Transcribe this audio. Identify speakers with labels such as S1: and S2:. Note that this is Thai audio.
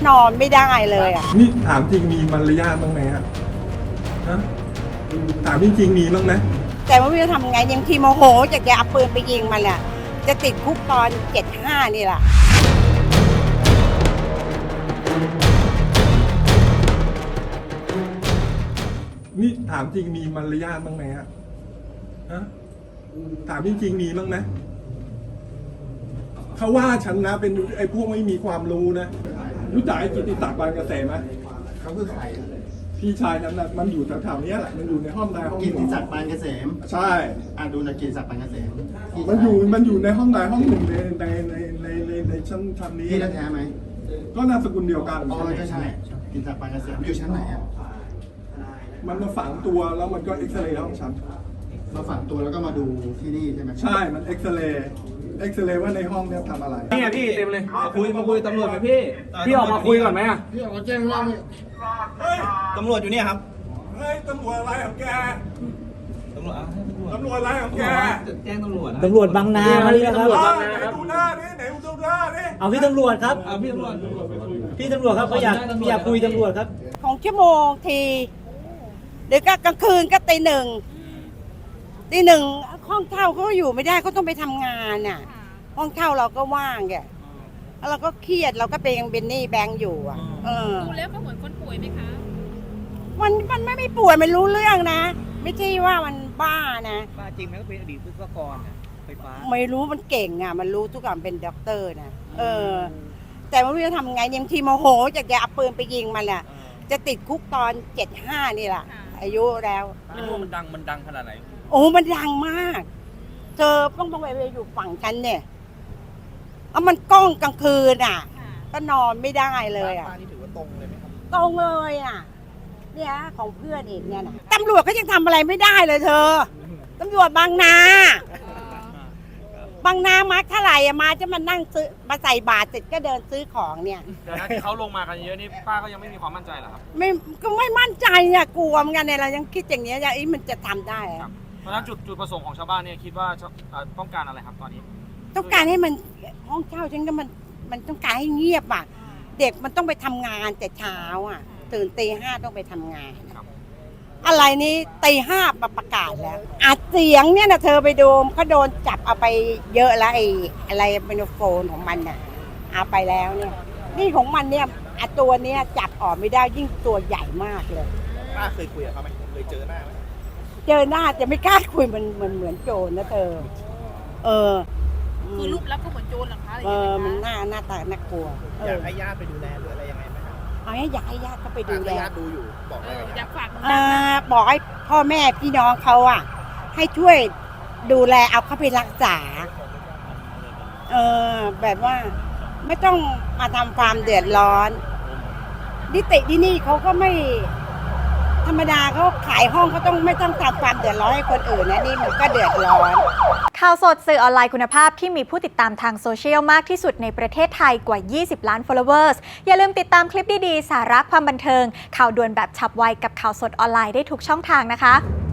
S1: นอนไม่ได้เลยอ่ะ
S2: นี่ถามจริงมีมารยาทบ้างไหมฮะถามจริงมีบ้างไหม
S1: แต่ว่าไม่รู้ทำไงยังทีโมโหจากจะเอาปืนไปยิงมันแหละจะติดคุกตอน75นี่แหละ
S2: นี่ถามจริงมีมารยาทบ้างไหมฮะถามจริงมีบ้างไหมเขาว่าฉันนะเป็นไอ้พวกไม่มีความรู้นะรู้จักไอ้กิติศักดิ์บานเกษมไหม
S3: เขาคือใคร
S2: พี่ชายฉันนะมันอยู่แถวๆนี้แหละมันอยู่ในห้องใดห้องห
S3: กิ
S2: นึ่ง
S3: ติศักดิ์ปานเกษม
S2: ใช่
S3: ดูจากกิติศักดิ์ปานเกษม
S2: มันอยู่ในห้องใดห้องหนึ่งในชั้นนี้
S3: พี่แท้ไหม
S2: ก็นามสกุลเดียวกัน
S3: อ๋อใช่กิติศักดิ์ปานเกษมอยู่ชั้นไหนอ่ะ
S2: มันมาฝังตัวแล้วมันก็เอ็กซเรย์ห้องฉัน
S3: มาฝังตัวแล้วก็มาดูที่นี่ใช่ไหม
S2: ใช่มันเอ็กซเรย์ว่าในห้องเนี้ยทำอะไร
S4: นี่ไงพี่เต็มเลยมาคุยตำรวจไหมพี่ออกมาคุยก่อนไหม
S3: พี่ออกมาแจ้งว่า
S2: เฮ้ย
S4: ตำรวจอยู่เนี่ยครับ
S2: เฮ้ยตำรวจอะไรของแก
S4: ตำรวจ
S2: อะไรของแก
S4: แจ้งตำรวจ
S5: ตำรวจบางนามาแล้วครับ
S2: ไหนดูหน้านี่ไหนดูหน้านี่
S5: เอาพี่ตำรวจครับ
S4: พี่ตำรวจ
S5: ครับเขาอยากคุยตำรวจครับ
S1: ของชั่วโมงทีเดี๋ยวก็กลางคืนก็ตีหนึ่งห้องเช่าเขาอยู่ไม่ได้เขาต้องไปทำงานน่ะห้องเช่าเราก็ว่างแกแล้วเราก็เครียดเราก็เป็นหนี้แบงก์อยู่อ่ะ
S6: ดูแล้วก็เหมือนคนป่วยไหมคะ
S1: มันไม่ป่วยมันรู้เรื่องนะไม่ใช่ว่ามันบ้านะ
S4: บ้าจริงไหมก็เป็นอดีตวิศวกรไฟฟ้า
S1: ไม่รู้มันเก่งอ่ะมันรู้ทุกอย่างเป็นด็อกเตอร์นะแต่ว่าจะทำไงยังทีโมโหจากจะเอาปืนไปยิงมันแหละจะติดคุกตอน75นี่แหละอายุแล้ว
S4: ไม่รู้มันดังขนาดไหน
S1: โอ้มันดังมากเธอต้องไปอยู่ฝั่งฉันเนี่ยแล้วมันกล้องกลางคืนอ่ะก็นอนไม่ได้เลยอ่ะ
S4: นี่ถือว่าตรงเลยไหมครับ
S1: ตรงเลยอ่ะเนี่ยของเพื่อนอีกเนี่ยนะตำรวจก็ยังทำอะไรไม่ได้เลยเธอตำรวจบางนามาเท่าไหร่อะมาจะมานั่งซื้อมาใส่บาตรเสร็จก็เดินซื้อของเนี่ย
S4: ที่เขาลงมากันเยอะนี่ป้าก็ยังไม่มีความมั่นใจเหรอครับ
S1: ไม่มั่นใจอ่ะกลัวเหมือนกันเนี่ยเรายังคิดอย่างเนี้ยอย่างมันจะทำได้อะ
S4: เพราะฉะนั้นจุดประสงค์ของชาวบ้านเนี่ยคิดว่าต้องการอะไรครับตอนนี้
S1: ต้องการให้มันห้องเช่าฉันก็มันต้องการให้เงียบอ่ะเด็กมันต้องไปทำงานแต่เช้าอ่ะตื่นตี 5ต้องไปทำงานอะไรนี้ตี 5ประกาศแล้วอัดเสียงเนี่ยนะเธอไปดูเขาโดนจับเอาไปเยอะแล้วไอ้อะไรไมโครโฟนของมันน่ะเอาไปแล้วเนี่ยนี่ของมันเนี่ยตัวเนี้ยจับออกไม่ได้ยิ่งตัวใหญ่มากเลย
S4: ป้าเคยคุยกับเขาไหมเคยเจอหน้าไหม
S1: เจอหน้าจะไม่กล้าคุยมันเหมือนโจรนะเธอ
S6: คือรูปลักษณ์ก็เหมือนโจรหรอคะ
S1: มันหน้าตาน่ากลัว
S4: อยากให้ญาติไปดูแลหรืออะไรยังไงไหมครับ
S1: อยากให้ญาติเขาไปดูแล
S4: ญาติดูอยู่บอกอะไร
S6: อยากฝาก
S1: บอกให้พ่อแม่พี่น้องเขาอ่ะให้ช่วยดูแลเอาเขาไปรักษาแบบว่าไม่ต้องมาทำความเดือดร้อนนิติที่นี่เขาก็ไม่ธรรมดาเขาขายห้องเขาไม่ต้องทำความเดือดร้อนให้คนอื่นนะนี่มันก็เดือดร้อน
S7: ข่าวสดสื่อออนไลน์คุณภาพที่มีผู้ติดตามทางโซเชียลมากที่สุดในประเทศไทยกว่า20 ล้าน followers อย่าลืมติดตามคลิปดีๆสาระความบันเทิงข่าวด่วนแบบฉับไวกับข่าวสดออนไลน์ได้ทุกช่องทางนะคะ